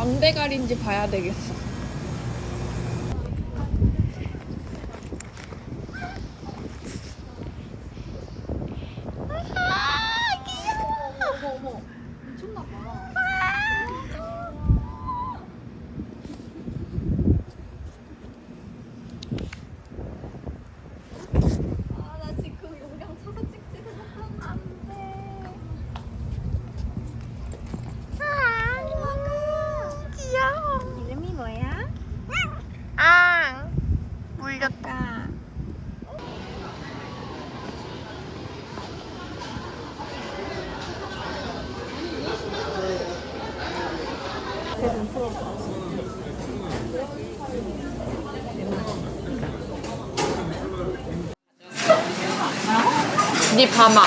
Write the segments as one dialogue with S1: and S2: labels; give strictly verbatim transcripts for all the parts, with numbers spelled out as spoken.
S1: 왕대가리인지 봐야 되겠어.
S2: 물렸다.
S1: 네 봐봐.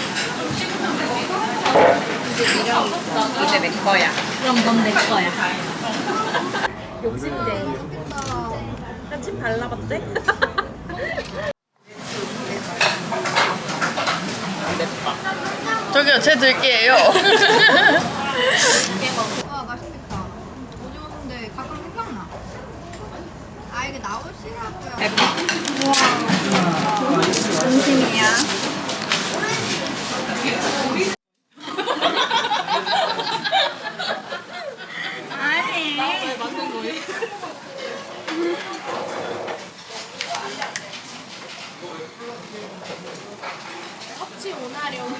S2: 이제 내 거야.
S3: 그럼 넌 내 거야.
S2: 욕심쟁이. 같이 발라봤대?
S1: 저기요, 제 들게요.
S4: 와 맛있겠다. 오징어 순대 가끔 생각나. 아 이게 나오시라고요.
S2: 진심이야. 아니.
S1: 맞는 거예요?
S4: 같이 오나령.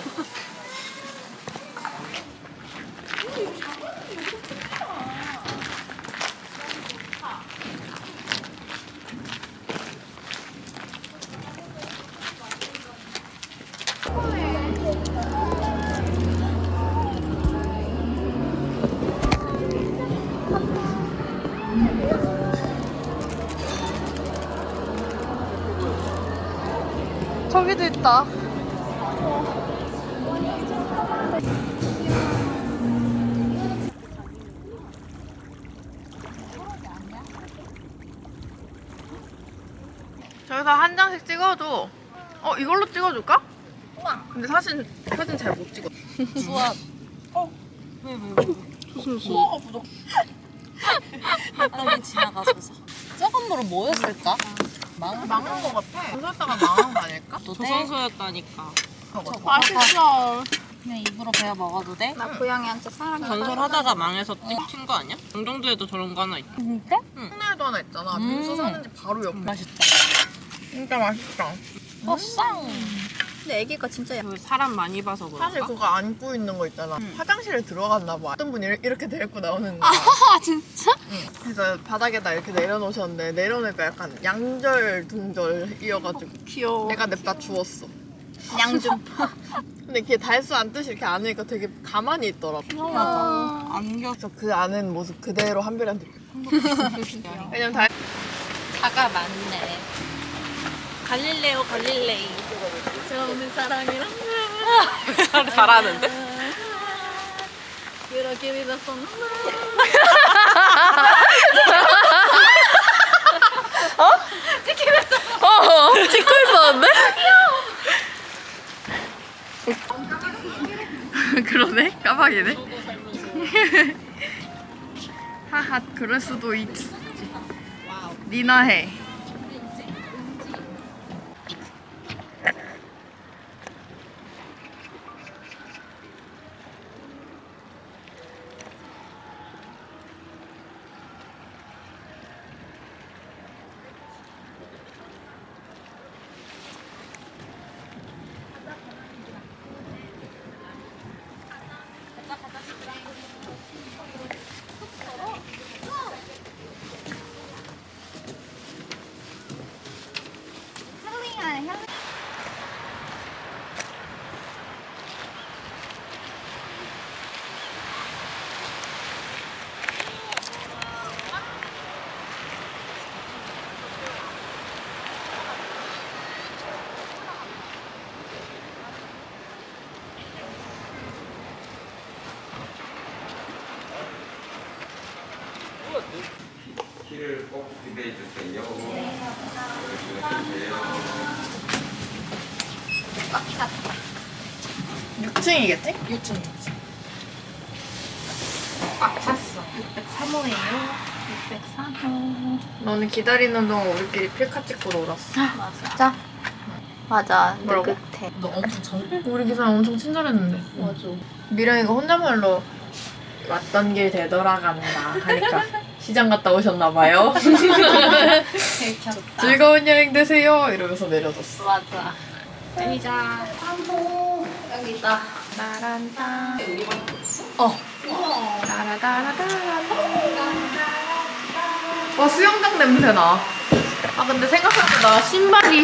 S1: 저기도 있다. 저기서 한 장씩 찍어줘. 어, 이걸로 찍어줄까?
S2: 우와.
S1: 근데 사진 사진 잘 못 찍어.
S3: 좋아.
S1: 수수수.
S3: 했더니 지나가서서. 저건 뭐로 뭐였을까? 망?
S1: 망한 거 같아. 조졌다가 망한 거 아닐까?
S3: 너 선수였다니까.
S1: 맛있어.
S3: 그냥 입으로 베어 먹어도 돼?
S4: 나 고양이한테 사랑해.
S3: 전설하다가 망해서 튄 거 아니야? 경정도에도 저런 거 하나 있다.
S2: 진짜?
S1: 홍날도 하나 있잖아.
S3: 음.
S1: 민수 사는 집 바로 옆에.
S3: 맛있다.
S1: 진짜 맛있다.
S3: 어, 쌍!
S4: 근데 애기가 진짜 약.
S3: 그 사람 많이 봐서 그런가?
S1: 사실 그거 안고 있는 거 있잖아. 화장실에 들어갔나 봐. 어떤 분이 이렇게 데리고 나오는 거야.
S4: 아 진짜?
S1: 응. 그래서 바닥에다 이렇게 내려놓으셨는데 내려놓으니까 약간 양절둥절이어가지고
S4: 귀여워.
S1: 내가 냅다 주웠어.
S4: 양좀.
S1: 근데 걔 달수 앉듯이 이렇게 안으니까 되게 가만히 있더라고.
S3: 맞아. 안경.
S1: 그래서 그 아는 모습 그대로 한별이한테 왜냐면 달
S3: 자가 많네. 갈릴레오 갈릴레이.
S4: 처음에 사랑이랑.
S3: 잘, 잘하는데?
S4: 그렇게 믿었어.
S1: 어 찍고 있었는데? 그러네 까마귀네. 하하 그럴 수도 있지. 니나해.
S5: 키를 꼭 기대해 주세요.
S1: 육 층이겠지?
S4: 꽉 찼어.
S2: 있어. 육백삼 호예요. 육백삼 호.
S1: 너는 기다리는 동안 우리끼리 필카 찍고 놀았어.
S2: 맞아. 자. 맞아.
S1: 뭐라고?
S2: 끝에.
S3: 너 엄청 잘.
S1: 우리 기사님 엄청 친절했는데.
S3: 맞아.
S1: 미령이가 혼잣말로 왔던 길 되돌아간다 하니까 시장 갔다 오셨나봐요.
S2: 들켰다.
S1: 즐거운 여행 되세요 이러면서 내려줬어.
S2: 맞아.
S1: 내리자.
S2: 여기다.
S1: 따란따.
S3: 어.
S1: 따라따라따라. 와 수영장 냄새 나. 아 근데 생각해보다 신발이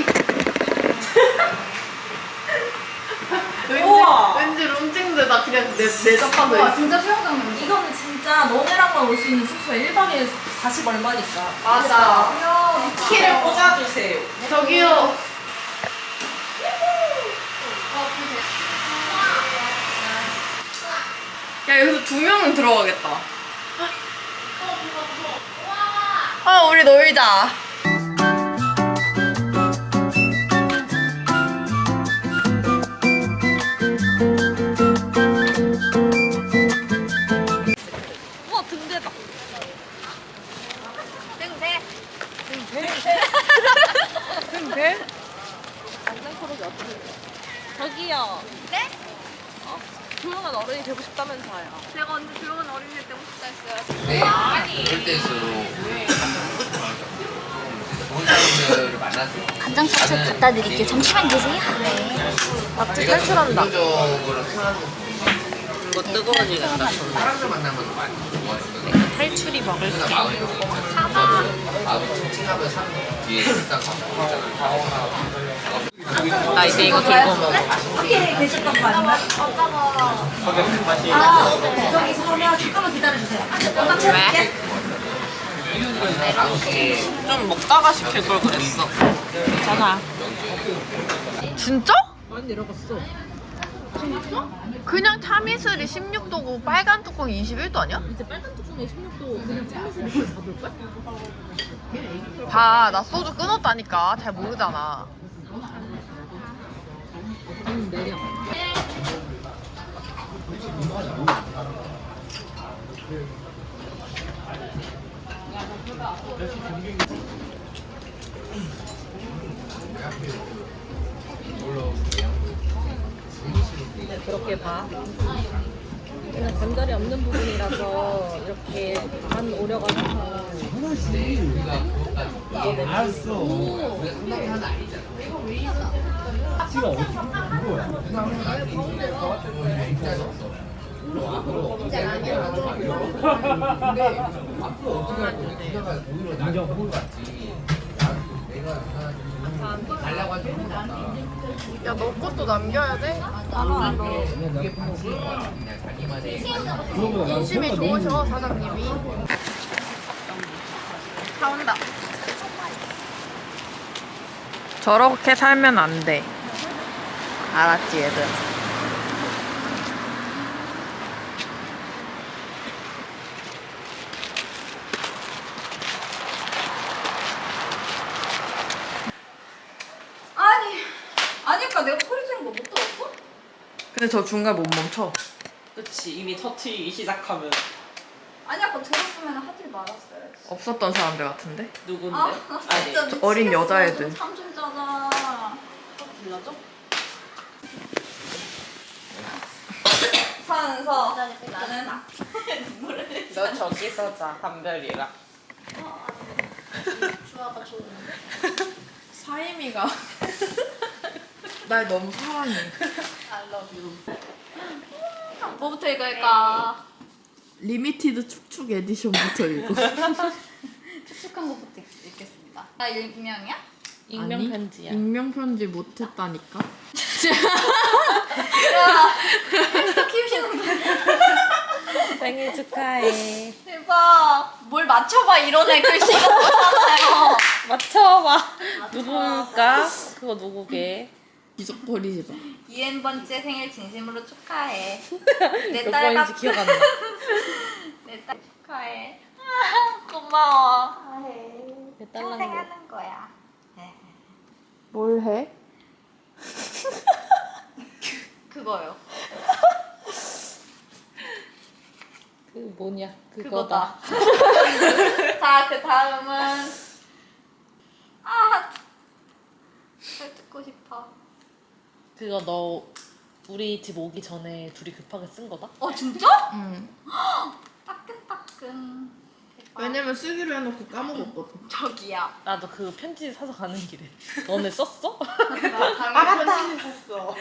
S1: 왠지
S3: 우와.
S1: 왠지 룸찡데 나 그냥 내 내적하고
S2: 와
S1: 있어.
S2: 진짜 수영장 냄새.
S3: 이거는 진짜 너네랑만 올 수 있는 숙소에 일 박에 사십 얼마니까.
S1: 맞아.
S3: 키를 꽂아주세요.
S1: 저기요. 야 여기서 두 명은 들어가겠다. 아 우리 놀자.
S3: 우와 등대다.
S2: 등대.
S1: 근데
S3: 안전코록이 어떻게 돼? 저기요.
S2: 네?
S3: 어? 조용한 어른이 되고 싶다면서요.
S2: 제가 언제 조용한 어린이 때고 싶다 했어요.
S6: 홀대수로 좋은 사람들을 만나서
S2: 간장 차트 갖다 드릴게요. 잠시만 계세요.
S1: 마트 탈출한다.
S6: 긍정적으로 표현하는 거 보면
S3: 이거 뜨거워지겠다.
S6: 사람들 만나는 것도 많이 좋아했거든.
S3: 탈출이 먹을
S6: 그래서 마음이 너무 마음이 칭칭하면 사람 뒤에 일상 감고 있잖아.
S3: 나 이제 이거 들고 먹어.
S2: 밖에 계셨던 거 아닌가? 아, 저기 서면 잠깐만 기다려주세요.
S3: 왜?
S6: 당시에
S3: 좀 먹다가 시킬 걸 그랬어. 괜찮아.
S1: 진짜?
S3: 많이 내려갔어.
S1: 그냥 참이슬이 십육 도고 빨간 뚜껑이 이십일 도 아니야?
S3: 이제 빨간 뚜껑에 십육 도 그냥 참이슬이 잡을걸?
S1: 봐, 나 소주 끊었다니까. 잘 모르잖아.
S3: 응, 내려. 네, 그렇게 봐. 그냥 관절이 없는 부분이라서 이렇게 반 오려가지고
S1: 야, 너 것도 남겨야 돼? 인심이 좋으셔, 사장님이. 사온다. 저렇게 살면 안 돼. 알았지, 얘들?
S2: 아니, 아니까 내가 소리 지른 거 못 들었어?
S1: 근데 저 중간 못 멈춰.
S3: 그치 이미 터트리기 시작하면
S2: 아니 아까 들었으면 하지 말았어요.
S1: 없었던 사람들 같은데?
S3: 누군데?
S2: 아,
S3: 아니
S2: 진짜
S1: 저 어린
S2: 미치겠어.
S1: 여자애들.
S2: 삼촌짜자.
S3: 불러줘?
S2: 산서 나는
S3: 너 저기서 자 담별이랑
S2: 주아가 좋은데.
S1: 사이미가 날 너무 사랑해.
S2: I love you. 뭐부터 읽을까?
S1: 리미티드 축축 에디션부터 읽어.
S2: 축축한 것부터 읽- 읽겠습니다. 나 익명이야?
S3: 익명 편지야.
S1: 익명 편지 못했다니까.
S2: 또 키우시는 분.
S3: 생일 축하해.
S2: 대박. 뭘 맞춰봐 이런 애 글씨가 없잖아요.
S3: 맞춰봐. 누굴까? 그거 누구게?
S1: 기적거리지 마.
S2: 이엔 번째 생일 진심으로 축하해. 내
S3: 몇
S2: 딸
S3: 번인지
S2: 같-
S3: 기억 안 나.
S2: 내 딸 축하해. 고마워.
S3: 몇 달러
S2: 평생
S3: 거.
S2: 하는 거야.
S1: 뭘 해?
S2: 그거요.
S3: 그 뭐냐
S2: 그거다. 자, 그 다음은 아, 잘 듣고 싶어.
S3: 그거 너 우리 집 오기 전에 둘이 급하게 쓴 거다?
S2: 어, 진짜?
S1: 응.
S2: 따끈따끈. 대박.
S1: 왜냐면 쓰기로 해놓고 까먹었거든.
S2: 저기야.
S3: 나도 그 편지 사서 가는 길에 너네 썼어?
S1: 아 맞다. 샀어.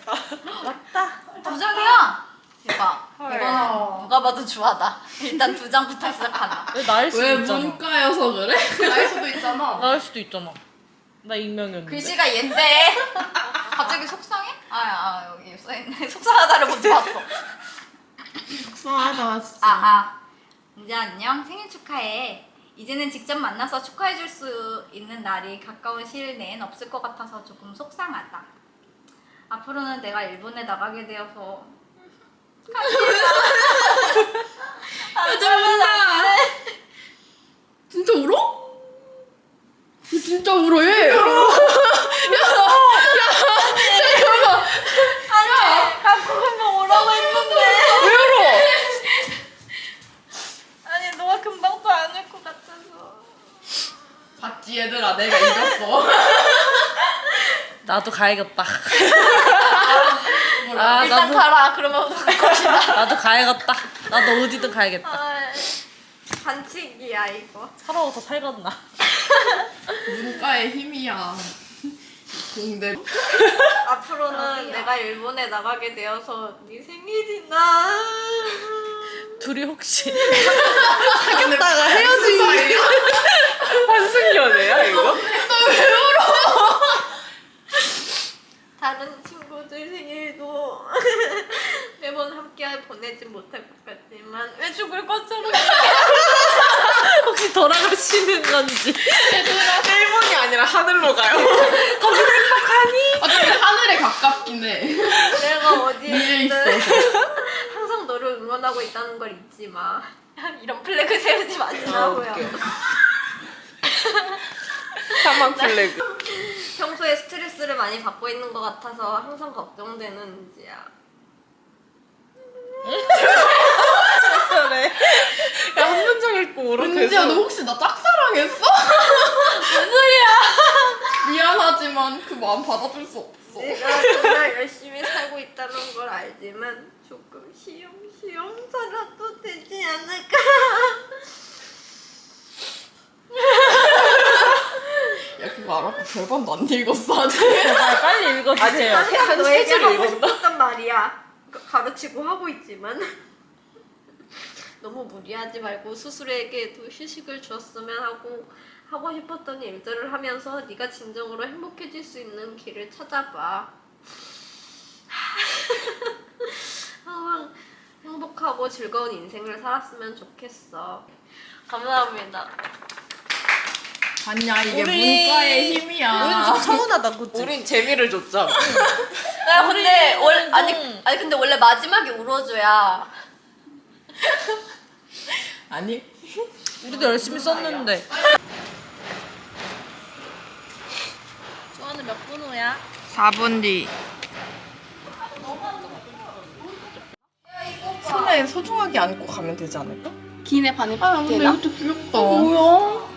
S2: 두 장이야. 대박. 이거는 누가 봐도 주하다. 일단 두 장부터 시작하나.
S3: 왜 나일 수도
S1: 왜
S3: 있잖아.
S1: 문과여서 그래?
S2: 알 수도 있잖아.
S3: 나일 수도 있잖아. 나 익명이었는데.
S2: 글씨가 얘인데 갑자기 속상해? 아, 아 여기 써있네. 속상하다를 먼저 봤어.
S1: 속상하다 진짜.
S2: 아, 아. 이제 안녕. 생일 축하해. 이제는 직접 만나서 축하해줄 수 있는 날이 가까운 시일 내엔 없을 것 같아서 조금 속상하다. 앞으로는 내가 일본에 나가게 되어서
S1: 여자 울다. 진짜 울어? 진짜 울어 얘.
S2: 아니, 갖고 가면 오라고 했는데.
S1: 왜 울어?
S2: 아니, 너가 금방 또 안 올 것 같아서.
S1: 봤지 얘들아 내가 이겼어.
S3: 나도 가야겠다.
S2: 아,
S3: 아
S2: 일단
S3: 나도
S2: 가라. 그러면 올 것이다.
S3: 나도 가야겠다. 나도 어디든 가야겠다.
S2: 아, 반칙이야 이거.
S3: 살아와서 살겠나?
S1: 문과의 힘이야. 공대.
S2: 앞으로는 내가 일본에 나가게 되어서 네 생일이나.
S3: 둘이 혹시
S1: 사귀었다가 헤어진 사이야?
S3: 환승연애야 이거?
S2: 다른 친구들 생일도 매번 함께 보내지 못할 것 같지만 왜 죽을 것처럼.
S3: 혹시 돌아가시는 건지.
S1: 일본이 아니라 하늘로 가요.
S3: 거기 행복하니?
S1: 어차피 하늘에 가깝긴 해.
S2: 내가 어디에
S1: 위에
S2: 있든
S1: 있어서.
S2: 항상 너를 응원하고 있다는 걸 잊지 마. 이런 플래그 세우지 마시라고요.
S3: 사망 플래그.
S2: 평소에 스트레스를 많이 받고 있는 것 같아서 항상 걱정되는 은지야.
S3: 그래. 야, 한 문장 읽고 오락해서.
S1: 은지야 너 혹시 나 짝사랑했어?
S2: 무슨 소리야?
S1: 미안하지만 그 마음 받아줄 수 없어.
S2: 내가 정말 열심히 살고 있다는 걸 알지만 조금 쉬엄쉬엄 살아도 되지 않을까?
S1: 야 그거 알아? 절반도 안 읽었어 아직.
S3: 제발 빨리 읽어주세요.
S2: 항상 너에게
S3: 페이지를
S2: 하고
S3: 읽었나?
S2: 싶었단 말이야. 가- 가르치고 하고 있지만 너무 무리하지 말고 스스로에게도 휴식을 주었으면 하고 하고 싶었던 일들을 하면서 네가 진정으로 행복해질 수 있는 길을 찾아봐. 항상 행복하고 즐거운 인생을 살았으면 좋겠어. 감사합니다.
S1: 봤냐 이게
S3: 우리-
S1: 문과의 힘이야.
S3: 우린 좀 서운하다, 그치?
S6: 우린 재미를 줬잖아.
S2: 나 근데
S3: 우리
S2: 원 아니
S3: 좀-
S2: 아니 근데 원래 마지막에 울어줘야.
S1: 아니
S3: 우리도 열심히 썼는데. 조아는 몇 분 후야?
S1: 사 분 뒤. 손에 소중하게 안고 가면 되지 않을까?
S4: 기내 반입
S1: 아 근데
S4: 되나?
S1: 이것도 귀엽다.
S4: 뭐야?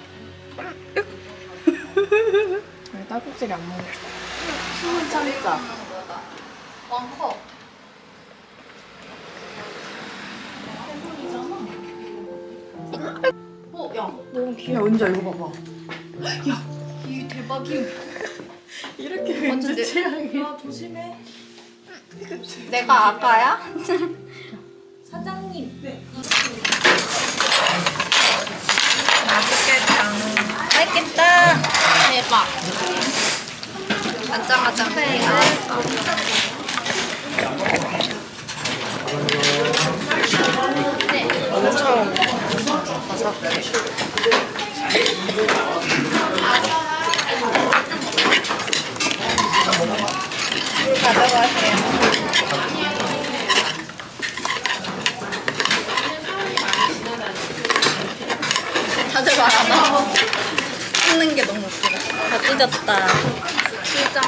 S1: 왜 딸꾹질이 안 먹어?
S4: 숨을 참자.
S2: 왕커. 어, 야,
S1: 너무 귀여워. 야 은지야 이거 봐봐.
S2: 이 대박이.
S1: 이렇게
S2: 완전
S1: 은지
S2: 내-
S1: 취향이.
S2: 야, 조심해. 내가 아까야?
S3: 사장님.
S1: 맛있겠다.
S3: 맛있겠다.
S2: 대박. 간장간장.
S3: 엄청
S2: 다들 말하나? 찍는 게 너무 웃기다.
S3: 다 찢었다.
S2: 진짜.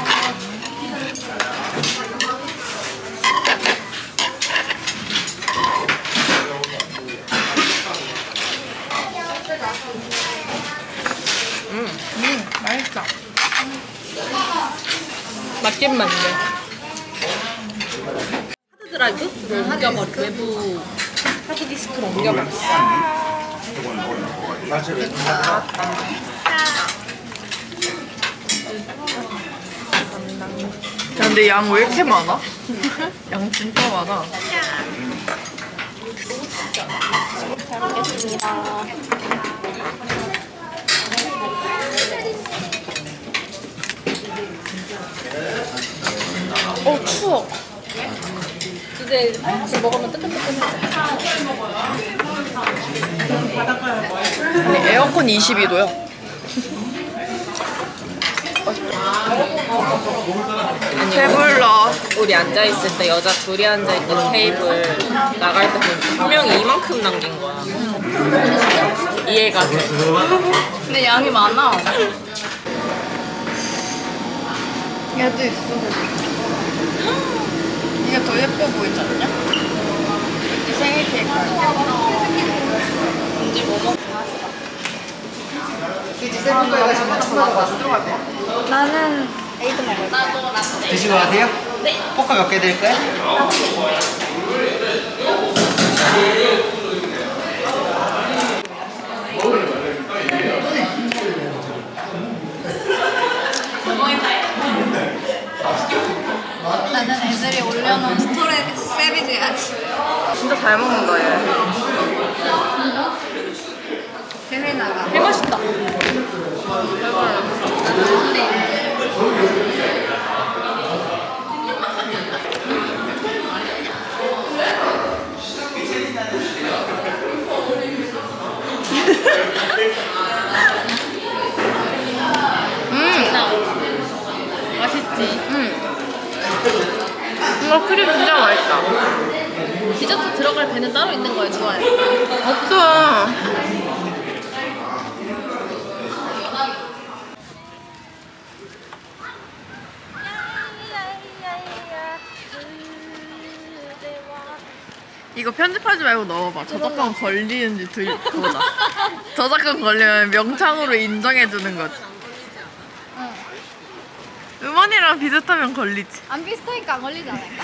S3: 개 맞네. 하드드라이브를 옮겨버려. 외부 하드디스크를 옮겨버렸어.
S1: 야, 근데 양 왜 이렇게 많아? 양 진짜 많아.
S3: 잘 먹겠습니다. 어 추워. 이제 이렇게 먹으면 뜨끈뜨끈해.
S1: 아니, 에어컨 이십이 도야. 배불러.
S3: 우리 앉아 있을 때 여자 둘이 앉아 있던 테이블 나갈 때 보니까 한 명이 이만큼 남긴 거야. 이해가 돼.
S4: 근데 양이 많아.
S1: 얘도 있어. 이게 더 예뻐 보이지 않냐? 이 생일 케이크.
S3: 언제 뭐 먹?
S4: 나는 에이드 먹을.
S6: 드시고 가세요? 네. 포카 몇 개 드릴까요?
S4: 나는 애들이 올려놓은 스토리 세비줘야지.
S1: 진짜 잘 먹는다, 얘.
S4: 배를 나가.
S3: 개 맛있다.
S1: 음,
S3: 맛있지.
S1: 음. 이거 크림 진짜 맛있다.
S3: 디저트 들어갈 배는 따로 있는 거야, 좋아해.
S1: 없어. 이거 편집하지 말고 넣어봐. 저작권 걸리는지 들 보자. 저작권 걸리면 명창으로 인정해주는 거지. 음원이랑 비슷하면 걸리지.
S4: 안 비슷하니까 안 걸리지 않을까?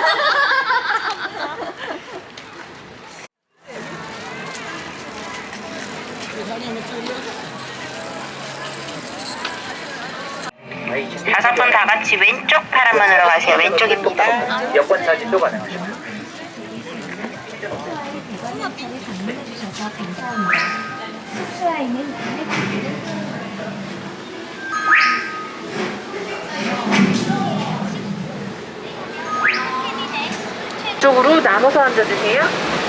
S7: 다섯 분 다 같이 왼쪽 파란문으로 가세요. 왼쪽입니다.
S6: 여권 사진도 가능하시고요.
S7: 쪽으로 나눠서 앉아주세요.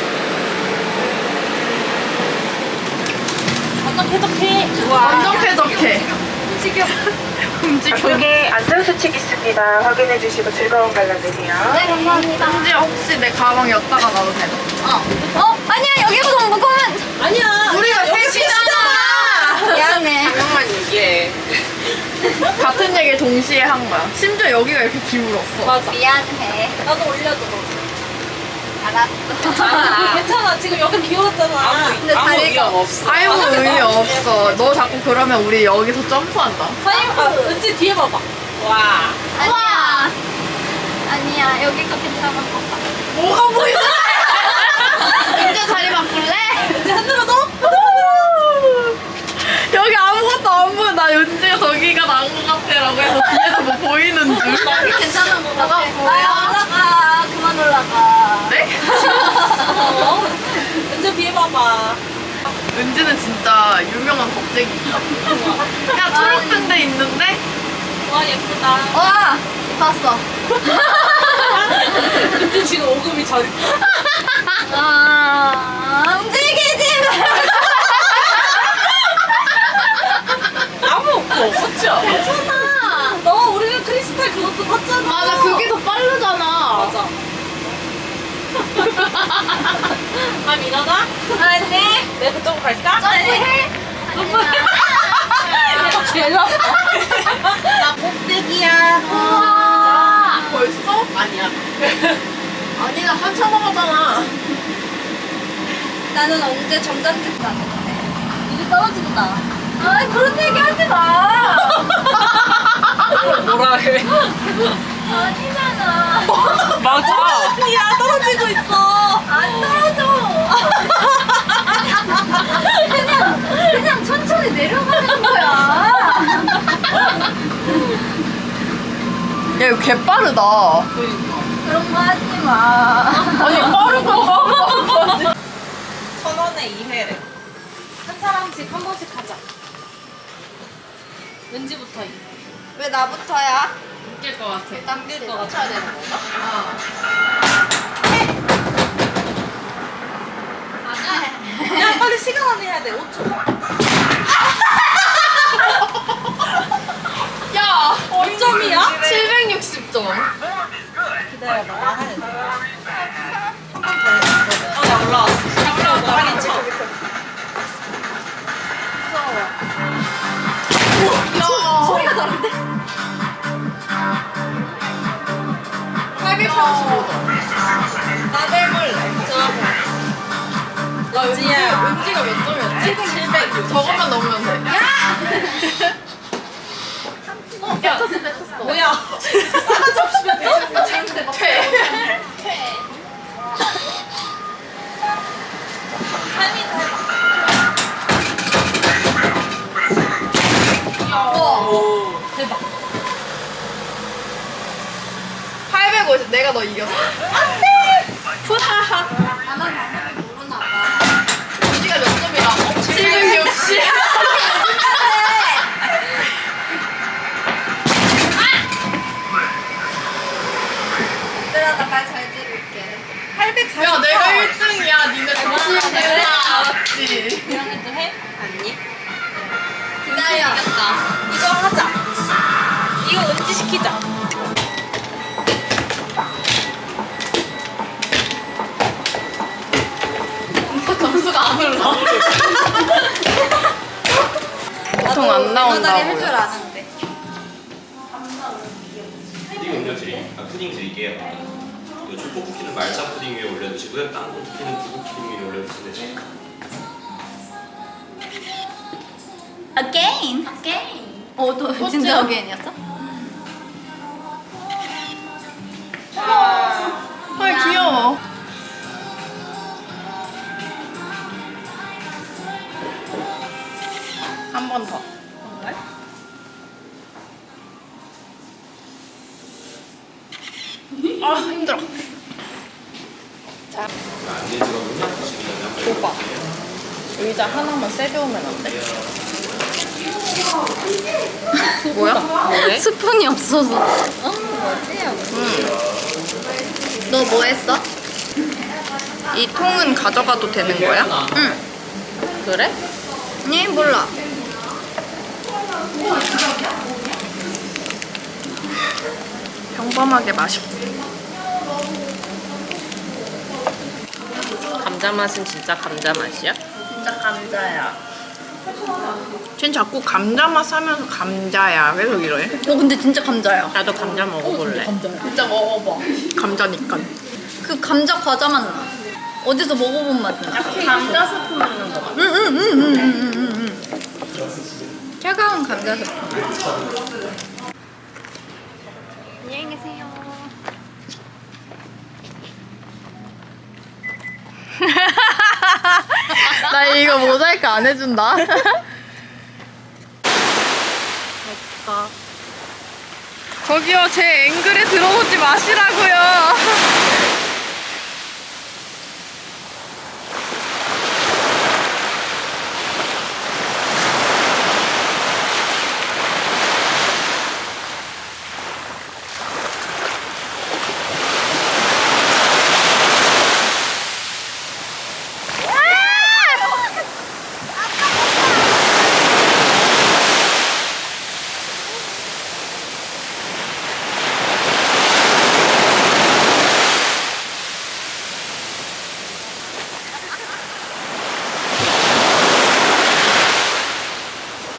S3: 완전 쾌적해.
S1: 완전 쾌적해. 움직여. 움직여.
S7: 쪽에 안전수칙 있습니다. 확인해 주시고 즐거운 관람 되세요.
S4: 네, 감사합니다.
S1: 현지야, 혹시 내 가방 엿다가 놔도 되나?
S4: 어? 아니야, 여기보다 무거우면.
S3: 아니야.
S1: 우리가 셋이잖아!
S4: 미안해.
S3: 잠깐만 이게.
S1: 같은 얘기를 동시에 한 거야. 심지어 여기가 이렇게 기울었어.
S3: 맞아.
S4: 미안해.
S3: 나도 올려줘.
S4: 알았어.
S3: 아, 괜찮아. 지금 여기 비웠잖아. 아무,
S4: 근데
S3: 아무
S4: 다리가
S3: 위험 없어.
S1: 아무 의미 없어. 너 자꾸 그러면 우리 여기서 점프한다.
S3: 사임, 아, 은지 뒤에 봐봐. 와.
S4: 아니야. 아니야, 여기가 괜찮아.
S1: 뭐가 보이나?
S4: 이제 자리 바꿀래?
S3: 은지 흔들어줘.
S1: 여기 아무것도 안 보여. 나 윤지가 저기가 나은 것 같아라고 해서 뒤에서 뭐 보이는 줄.
S4: 여기 괜찮은 거 같아. 아, 올라가. 그만 올라가.
S1: 네?
S3: 어? 은지 뒤에 봐봐.
S1: 은지는 진짜 유명한 겁쟁이야. 야, 초록등대 있는데?
S3: 와, 예쁘다.
S4: 와, 봤어.
S3: 은지 지금 오금이 잘.
S4: 아, 움직이지 마.
S3: 아무 거 없었지 않아? 괜찮아. 너 우리가 크리스탈 그것도 샀잖아.
S1: 맞아, 그게 더 빠르잖아.
S3: 맞아. 아, 미나다?
S4: 아니.
S3: 내가 그쪽으로 갈까?
S4: 점프해.
S3: 아, 제일 아파. 나 꼭대기야.
S4: 우와.
S1: 벌써?
S3: 아니야.
S1: 아니, 나 한참 먹었잖아.
S4: 나는 언제 점잖게 나는데. 이게 떨어진다. 아, 그런 얘기 하지 마.
S3: 뭐라 해?
S4: 아니잖아.
S3: 맞아. 야 떨어지고 있어.
S4: 안 떨어져. 그냥 그냥 천천히 내려가는 거야.
S1: 야 이거 개 빠르다.
S4: 그런 거 하지 마.
S1: 아니 빠르고 빠르고.
S3: 천 원에 이 회래. 한 사람씩 한 번씩 하자. 왠지부터 이.
S4: 왜 나부터야?
S3: 웃길 것 같아.
S4: 웃길
S3: 것 같아. 되는 건가? 야 빨리 시간 안에 해야 돼. 오 초.
S1: 야
S3: 몇 점이야?
S1: 칠백육십 점.
S3: 기다려봐. 나 하는 데. 한번 더 해. 어, 나 올라왔어. 야, 올라왔어. 빨리 쳐.
S1: 야
S4: 소리가 다른데?
S1: 팔백삼십오 점.
S3: 나 해볼래.
S1: 나
S3: 은지야.
S1: 은지가 몇 점이었지? 칠백. 저것만 넘으면 돼. 야! 어, 뱉었어, 뱉었어.
S3: 뭐야? 싸가지 없이 뱉어?
S1: 퇴.
S3: 삶이
S1: 우와.
S3: 대박.
S1: 팔백오십. 내가 너 이겼어.
S4: 나만 방법을 모르나 봐.
S1: 은지가 몇 점이라고? 칠백육십.
S4: 얘들아 나 말 잘 들을게.
S3: 팔백사십.
S1: 야 내가 일 등이야. 니네 점심 내가 알았지.
S3: 이런 것도 해? 아니.
S4: 기다려.
S3: 이겼다. 이거 하자. 이거 은지 시키자.
S1: 점수가 안 올라. 보통 안
S4: 나다리 할 줄
S1: 나온다고요.
S4: 아는데.
S5: 푸딩 음료 드리, 아 푸딩 드릴게요. 이 초코 쿠키는 말차 푸딩 위에 올려주시고요. 땅콩 쿠키는 두부 푸딩 위에 올려주시면 돼요.
S4: Again. Again. 어, 또 진짜 again이었어?
S1: 헐 귀여워. 한 번 더. 아 힘들어.
S5: 안에 들어오면 드시면
S1: 오빠. 의자 하나만 세게 오면 안 돼? 뭐야? 뭐해?
S4: 스푼이 없어서. 어, 뭐지? 응. 너 뭐 했어?
S1: 이 통은 가져가도 되는 거야?
S4: 응.
S1: 그래?
S4: 니 몰라.
S1: 평범하게 마시고.
S3: 감자 맛은 진짜 감자 맛이야?
S1: 진짜 감자야. 쟨 자꾸 감자 맛 하면서 감자야. 계속 이래.
S4: 어, 근데 진짜 감자야.
S3: 나도 감자 먹어볼래.
S1: 진짜 먹어봐. 감자니까.
S4: 그 감자 과자 맛 나. 어디서 먹어본 맛 나.
S3: 감자 스프 먹는 거 같아.
S4: 응응응응응응응. 차가운 감자 스프. 안녕히 계세요.
S1: 나 이거 모자이크 안 해준다. 저기요, 제 앵글에 들어오지 마시라고요.